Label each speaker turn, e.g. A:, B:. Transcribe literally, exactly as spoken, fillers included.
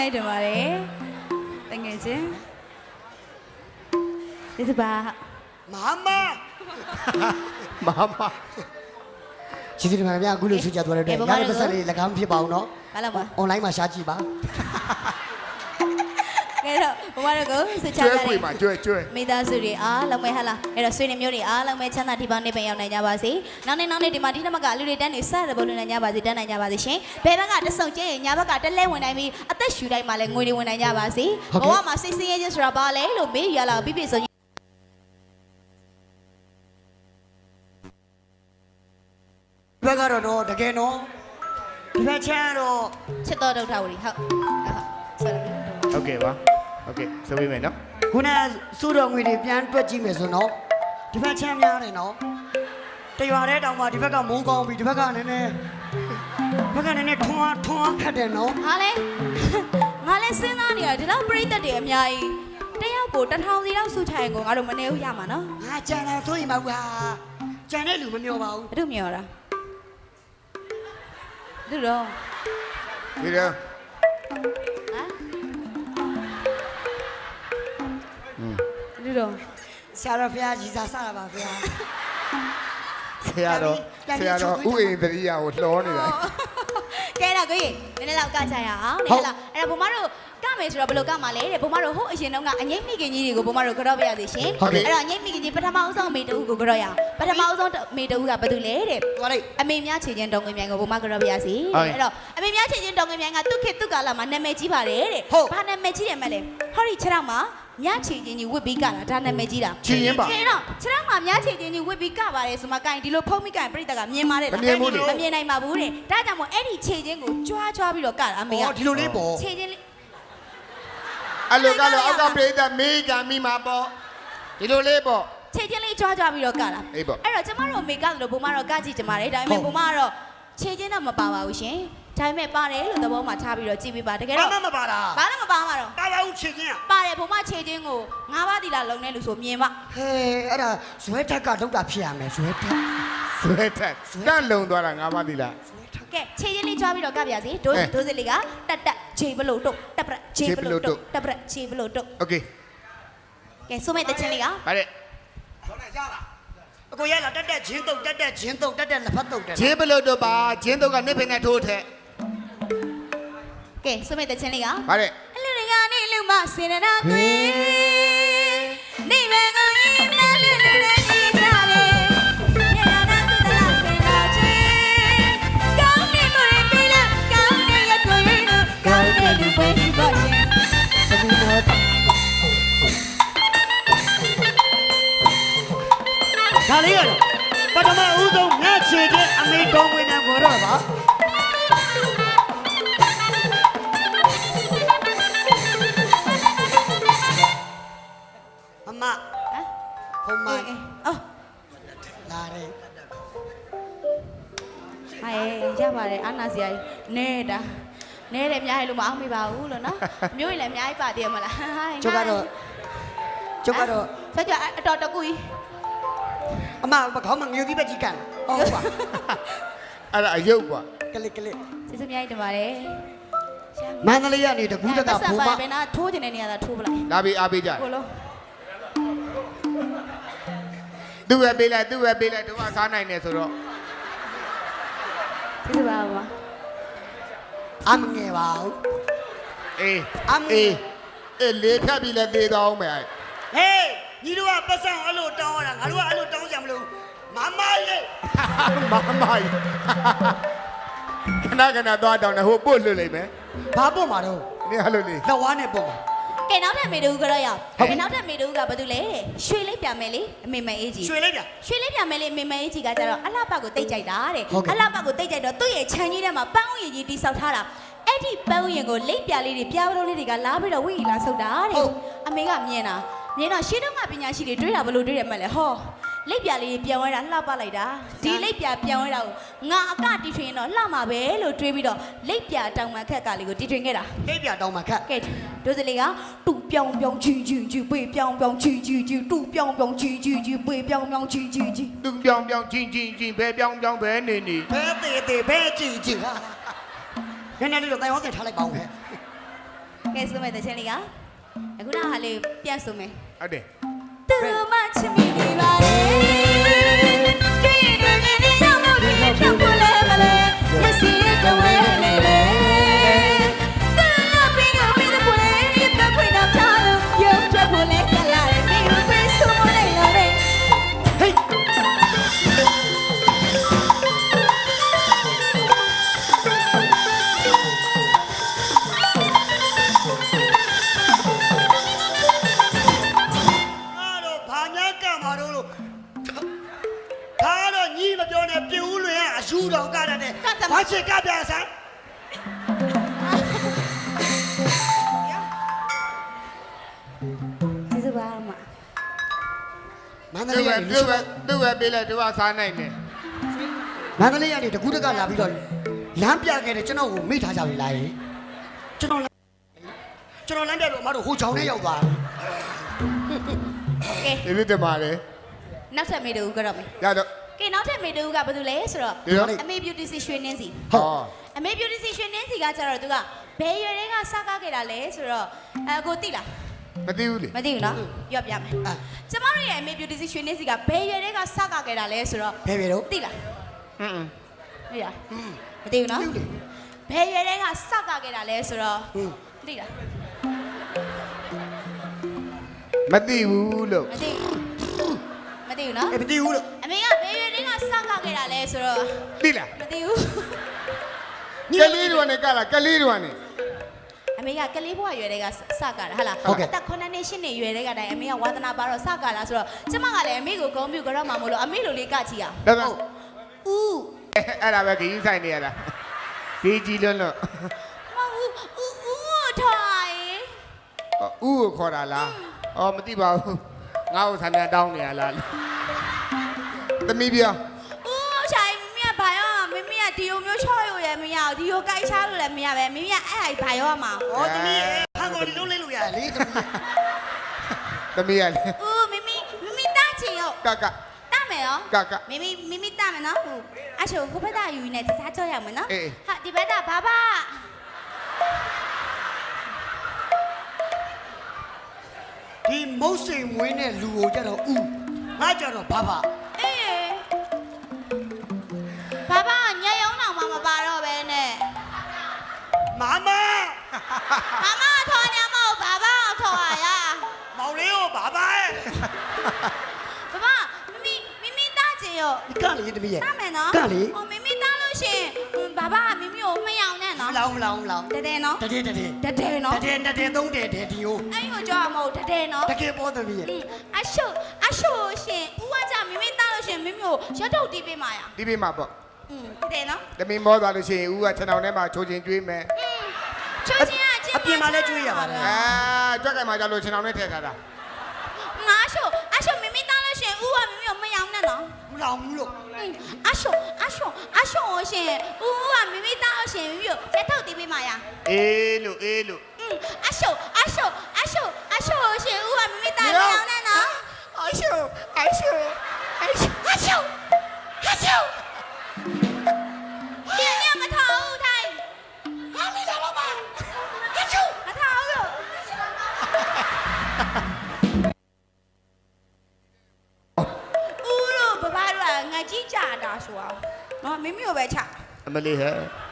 A: မြိုက်တယ်ပါတယ်တကယ်ချင်းဒီစပါ
B: မမမမကျေးဇူးတင်ပါတယ်ဗျာအခုလိုဆွေးကြသွားတဲ့အတွက်ရတဲ့ပတ်စံလေး၎င်းဖြစ်ပါအောင်နော်
A: ဘာလို့ပါ
B: online မှာရှားကြည့်ပါ
A: ကဲတော့ဘဝရကိုဆွေးချကြတယ်ကျွဲကျွဲကျွဲမိသားစုတွေအားလုံးပဲဟလာအဲ့တော့ဆွေနေမျိုးတွေအားလုံးပဲချမ်းသာဒီပေါင်းနေပင်ရောက်နိုင်ကြပါစေနောက်နေ့နောက်နေ့ဒီမှာဒီနမကလူတွေတန်းနေစတဲ့ဘုံနေနိုင်ကြပါစေတန်းနိုင်ကြပါစေရှင်ဘယ်ဘက်ကတဆုံကျရင်ညာဘက်ကတလဲဝင်နိုင်ပြီးအသက်ရှူတိုင်းမှာလည်းငွေတွေဝင်နိုင်ကြပါစေဘဝမှာစိတ်ဆင်းရဲခြင်းဆိုတာဘာလဲလို့မေးရလာပြပြဆို
B: ဘက်ကတော့တော့တကယ်နော်ဒီဘက်ချမ်းတော့
A: ချစ်တော်ဒုက္ခဝရီဟုတ်ဟုတ်
C: โอเคပါโอเคဆိုပြီးမယ်နော်
B: ခုနစုတော်ငွေတွေပြန်တွက်ကြည့်မယ်ဆိုတော့ဒီဘက်ချမ်းများတယ်နော်တရွာတဲ့တောင်မှဒီဘက်ကမိုးကောင်းပြီဒီဘက်ကနည်းနည်းဘက်ကနည်းနည်းထွန်းထွန်းခတ်တယ်နော်
A: ဟာလေငါလည်းစဉ်းစားနေရတယ်ဒီတော့ပြိတ္တတွေအများကြီးတယောက်ကိုတထောင်စီလောက်စုချရင်ကိုငါတို့မနေဘူးရမှာနော်
B: ငါကြံတယ်ဆိုရင်မဟုတ်ဟာကြံတဲ့လူမမျောပါဘူး
A: ဘယ်သူမျောတာသူတော့
C: ဒီတော့ဟမ်
A: သူတော့
B: ဆရာတော်ဖျားကြီးစားစားပါဗျာ
C: ဆရာတော်ဆရာတော်ဥအိန္ဒြိယကိုလှောနေတာ
A: ကဲတော့ကိုကြီးနည်းနည်းလောက်ကချရအောင်နည်းနည်းလောက်အဲ့တော့ဘုမတို့ကမယ်ဆိုတော့ဘယ်လိုကမှာလဲတဲ့ဘုမတို့ဟိုအရင်တုန်းကအငိမ့်မိခင်ကြီးတွေကိုဘုမတို့ကြော့ပြရသေးရှင်အဲ့တော့အငိမ့်မိခင်ကြီးပထမဦးဆုံးမေတူကိုကြော့ရအောင်ပထမဦးဆုံးမေတူကဘာတူလဲတဲ့အမေများခြေချင်းတောင်ငွေမြိုင်ကိုဘုမကြော့ပြရစီအဲ့တော့အမေများခြေချင်းတောင်ငွေမြိုင်ကသူ့ခေတ်သူ့ကာလမှာနာမည်ကြီးပါတယ်တဲ့ဘာနာမည်ကြီးတယ်မလဲဟောဒီခြေထောက်မှာညချီချင်းကြီးဝစ်ပြီးကတာဒါနာမည်ကြီးတာ
C: ချီရင်ပါ
A: ကဲတော့ခြေထောက်မှာညချီချင်းကြီးဝစ်ပြီးကပါတယ်ဆိုမှကင်ဒီလိုဖုံးမိကင်ပြိတ္တကမြင်ပါတယ်
C: လားမမြင်ဘူးလေ
A: မမြင်နိုင်ပါဘူးတဲ့ဒါကြောင့်မို့အဲ့ဒီခြေချင်းကိုကြွားကြွားပြီးတော့ကတာအမေက
B: ဟောဒီလိုလေးပေါ့
A: ခြေချင်းလေး
C: အဲ့လိုကတော့အောက်ကပြိတ္တမေးကမိမှာပေါ့ဒီလိုလေးပေါ့
A: ခြေချင်းလေးကြွားကြွားပြီးတော့ကတာ
C: အဲ့ပေါ့
A: အဲ့တော့ကျမတို့အမေကလို့ဘုမတော့ကကြည့်ကြပါတယ်ဒါပေမဲ့ဘုမကတော့ခြေချင်းတော့မပါပါဘူးရှင်ဒါပေမဲ့ပါတယ်လို့သဘောမှထားပြီးတော့ကြည့်ပေးပါတကယ်တော့
B: ဘာမှမပါတာ
A: ဘာလည်းမပါမှာတော့
B: ပါပါဦးခြေချင်းอ่ะ
A: ပါတယ်ဘုမခြေချင်းကိုငါးပါးတီလာလုံနေလို့ဆိုမြင်ပါ
B: ဟဲအဲ့ဒါဇွဲထက်ကထုတ်တာဖြစ်ရမယ်ဇွဲထက်
C: ဇွဲထက်တန့်လုံသွားတာငါးပါးတီလာ
A: ကဲခြေချင်းလေးကြွားပြီးတော့ကပြစီဒိုးဒိုးစစ်လေးကတက်တက်ခြေဘလို့တုတ်တက်ပရက်ခြေဘလို့တုတ်တက်ပရက်ခြေဘလို့တုတ်
C: โอเค
A: ကဲဆိုမဲ့တချင်းလေးက
C: ဗါတဲ့
B: ဆောင်းနေကြလားအကိုရလာတက်တက်ဂျင်းတုတ်တက်တက်ဂျင်းတုတ်တက်တက်လက်ဖက်တုတ်တယ်
C: ခြေဘလို့တုတ်ပါဂျင်းတုတ်ကနစ်ပင်နဲ့ထိုးထက်
A: ကဲဆိုမဲ့တချင်းလေးက
C: ဗါတဲ့
A: အလူတွေကနေလူမစင်နာကွေနေဘယ်ကိုရင်နာလူလူတွေကြီးကြတယ်
B: ဒါလေးကတော့ပထမဦးဆုံးငါချေချင်းအမေတော်ဝင်နေကိုတော့ပါအမဟမ်ဘုံမ
A: အော်
B: လာတယ်
A: ဟဲ့ရပါတယ်အာနာစီယာနေတာနဲတယ်အများကြီးလို့မအောင်မိပါဘူးလို့နော်မျိုးရင်လည်းအများကြီးပါတည်မလား
B: ကျုပ်ကတော့ကျုပ်ကတော့
A: ဆက်ကြအတော်တကူကြီး
B: အမခေါင်းမငြိုသေးပဲကြီးကန်ဟုတ်ပါ
C: အဲ့ဒါအယုတ်ကွာ
B: ကလစ်ကလစ်
A: စစ်စမြိုက်တင်ပါတယ်
B: မန္တလေးကနေတကူးတကဘုံမ
A: ဘယ်နာထိုးကျင်တဲ့နေရာသာထိုးပလိုက်
C: လာပြီးအားပေးကြ
A: ကိုလုံး
C: သူ့ပဲပေးလိုက်သူ့ပဲပေးလိုက်တို့ကစားနိုင်တယ်ဆိုတော့
A: စစ်စပါပါ
B: အမငယ်ပါဘူး
C: အေးအမအေးအေးလေးဖြတ်ပြီးလဲသေးတော့အောင်မယ်
B: ဟေးညီတို့ကပတ်စံအဲ့လိုတောင်းရတာငါတို့ကအဲ့လိုတောင်းကြမလို့မမလေး
C: မမကြီးခဏခဏသွားတောင်းတယ်ဟိုပို့လွတ်လိုက်မယ်
B: ဘာပို့မှာတော့
C: နေရလို့လေ
B: လက်ဝါးနဲ့ပို့မှာ
A: ကဲနောက်ထပ်မေတူကတော့ရအောင်ကဲနောက်ထပ်မေတူကဘာတူလဲရွှေလေးပြမယ်လေအမေမအေးကြီး
B: ရွှေလေးပြ
A: ရွှေလေးပြမယ်လေအမေမအေးကြီးကကြတော့အလှပကိုတိတ်ကြိုက်တာတဲ့အလှပကိုတိတ်ကြိုက်တော့သူ့ရဲ့ခြံကြီးထဲမှာပန်းဥယျာဉ်ကြီးတိဆောက်ထားတာအဲ့ဒီပန်းဥယျာဉ်ကိုလိပ်ပြလေးတွေပြားပလုံးလေးတွေကလာပြီးတော့ဝိလာဆုပ်တာတဲ့အမေကမြင်တာမြင်တော့ရှင်းတော့ကပညာရှိတွေတွေးတာဘလို့တွေးရမှလဲဟောလိပ်ပြလေးပြန်ဝဲတာလှပလိုက်တာဒီလိပ်ပြပြန်ဝဲတာကိုငါအကတီထွင်တော့လှမှာပဲလို့တွေးပြီးတော့လိပ်ပြတောင်မှခက်ကလေးကိုတီထွင်ခဲ့တာ
B: လိပ်ပြတောင်မှခက်က
A: ဲဒိုစလေးကတူပြောင်ပြောင်ချီချီချီပေပြောင်ပြောင်ချီချီချီတူပြောင်ပြောင်ချီချီချီပေပြောင်ပြောင်ချီချီချီ
C: တူပြောင်ပြောင်ချီချီချီဘဲပြောင်ပြောင်ဘဲနေနေ
B: ဘဲသေးသေးဘဲချီချီဟာနည်းနည်းလေးတော့တိုင်ဟောစင်ထားလိုက်ပါဦးဟဲ့
A: ကဲဆိုမယ်တချင်လေးကအခုနောက်ဟာလေးပြန်ဆိုမယ်
C: ဟုတ်တယ်
A: သူမချစ်မိနေပါလေဒီနေ့နေ့နေ့ရောက်လို့ဒီနေ့ဖြတ်ဖို့လဲမလဲမစီရတော့ဝဲနေလေသူမပင်ကပင်ဖို့လဲဒီတော့ခွေတော့ချလို့ရုပ်ထွက်ဖို့လဲကလာတယ်ဒီလိုပဲဆိုမလဲလားဟေး
B: အားတော့ဘာညာကမှာတော့လို့ဒါတော့ညီမပြောနဲ့ပြူးလွင်ကအယူတော်ကတည်းကဘာချစ်ကပြဆိုင်
A: ကျေးဇူးပါမ
B: မန္တ
C: သူ
B: လေး
C: ပဲ
B: ကနေ
C: သူပဲသူပဲပေးလိုက်သူကစားနိုင်တယ်
B: မန္တလေးကနေတကူးတကလာပြီးတော့လမ်းပြခဲ့တယ်ကျွန်တော်ကိုမိထားကြပြီလားကျွန်တော်ကျွန်တော်လမ်းပြတော့အမတို့ဟိုချောင်းနဲ့ရောက်သွားတယ်
A: ကဲ
C: ဒီလိုတမာလေ
A: နောက်ထပ်မေတူကတော့မယ်
C: ရတော့
A: ကဲနောက်ထပ်မေတူကဘာလို့လဲဆိုတော့
C: ဒီတော့
A: အမေ beauty စီရွှေနှင်းစီ
C: ဟော
A: အမေ beauty စီရွှေနှင်းစီကကျတော့သူကဘယ်ရွယ်တွေကစကားခဲ့တာလဲဆိုတော့အဲကိုသိလား
C: မသိဘူးလေ
A: မသိဘူးနော်ပြောပြမယ်ကျမတို့ရဲ့အမေ beauty စီရွှေနှင်းစီကဘယ်ရွယ်တွေကစကားခဲ့တာလဲဆိုတော့
B: ဘယ်ပဲတော့
A: သိလား
C: ဟွန်း
A: သိလားမသိဘူးနော်ဘယ်ရွယ်တွေကစကားခဲ့တာလဲဆိုတော့
B: ဟင်း
A: သိလား
C: မသိဘူးလို့
A: မသိဘူးမသိဘူးနော်
B: အဲ့မသိဘူးလို့
A: အမေကဘယ်ရွယ်တွေကစကားခဲ့တာလဲဆိုတော့
C: သိလား
A: မသိဘူး
C: ကလေးတို့ကနေကလာကလေးတို့ကနေ
A: အမေကကလေးဘွားရွယ်တွေကစကားတာဟာလားအသက်9နှစ်10နှစ်ရွယ်တွေကတိုင်အမေကဝါသနာပါတော့စကားလာဆိုတော့ကျမကလည်းအမေကိုဂုဏ်ပြုကြတော့မှမလို့အမေလိုလေးကချီအောင်
C: ဒါတော့
A: ဦး
C: အဲ့ဒါပဲခရီးဆိုင်နေရတာဈေးကြီးလွန်းလို့
A: မဟုတ်ဦးဦးထိုင်
C: ဥကိုခေါ်တာလားအော်မသိပါဘူးငါ့ကိုဆံပြန်တောင်းနေရလားသမီးပြော
A: ဦးထိုင်မင်းကဘာရောမင်းမကဒီလိုမျိုးချော့ရရမရဒီလိုကြိုက်ချလို့လည်းမရပဲမင်းကအဲ့ဟာဘာရောမှာ
B: ဟောသမီးဟန်ကိုဒီလုံးလေးလို့ရတယ်လေသမီး
C: သမီးရလေ
A: ဦးမမီမမီတာချင်ရော
C: ကက
A: တာမယ်ရော
C: ကက
A: မမီမမီတာမယ်နော်ဟိုအချိုဟိုဘက်ကယူနေတစားကြောက်ရမယ်နော်
C: အေး
A: ဟာဒီဘက်ကဘာဘာ
B: ဒီမုတ်စိန်မွေးတဲ့လူကိုကြတော့ဥငါကြတော့ဘာဘာ
A: အေးဘာဘာညရုံတော့မှမပါတော့ပဲနဲ့
B: မမ
A: မမထော်နေမဟုတ်ဘာဘာထော်ရရ
B: မောင်လေးကိုဘာဘာရဲ့
A: ဘာဘာမမီမမီတာချင်ရော
B: ကလေသမီးရဲ့
A: တာမယ်နော်
B: ကလေ
A: ဟိုမမီတာလို့ရှင်ဘာဘာမမီကိုမယောင်နဲ့
B: မ
A: နော်
B: လောင်မလောင်မလောင်
A: တတဲ့နော်
B: တတဲ့တတဲ့
A: တတဲ့နော်
B: တတဲ့တတဲ့သုံးတဲ့တဲ့ဒီကို
A: အဲ့ကိုကြောက်မဟုတ်တတဲ့နော်
B: တကယ်ပေါ်သမီးရဲ့
A: အရှုအရှုရှင်ဦးကကြမမီတာလို့ရှင်မမီကိုရတော့တီးပေးမှာရ
C: ဒီပေးမှာပေါ့
A: อืมတတဲ့နော်
C: သမီးမောသွားလို့ရှိရင်ဥကခြံတော်ထဲမှာချိုးချင်းကျွေးမယ်
A: ချိုးချင်းကချင်း
B: အပြင်မှာလည်းကျွေးရပါတယ်
C: အာကြွက်ကင်မှာကြလို့ခြံတော်ထဲထည့်ထားတာ
A: ငါရှုအရှုမမီတာလို့ရှင်ဦးကမမီကိုမယောင်နဲ့နော်
B: မလောင်ဘူးလို့
A: အရှုအရှုအရှုရှင်ဦးကမမီတာလို့ရှင်မမီကိုရတော့တီးပေးမှာရ
C: အေးလို့အေးလို့
A: အရှုအရှုအရှုအရှုရှင်ဦးကမမီတာမယောင်နဲ့နော်
C: အရှုအရှုအရှု
A: အရှုအရှုဒီနေ့မထားဘူးထိုင်ဟာမီလာတော့ပါအရှုမထားဘူးလို့ ဦးတို့ဘဘတို့ကငါကြီးကြတာဆိုအောင်နော်မိမိကိုပဲချ
C: အမလေးဟဲ့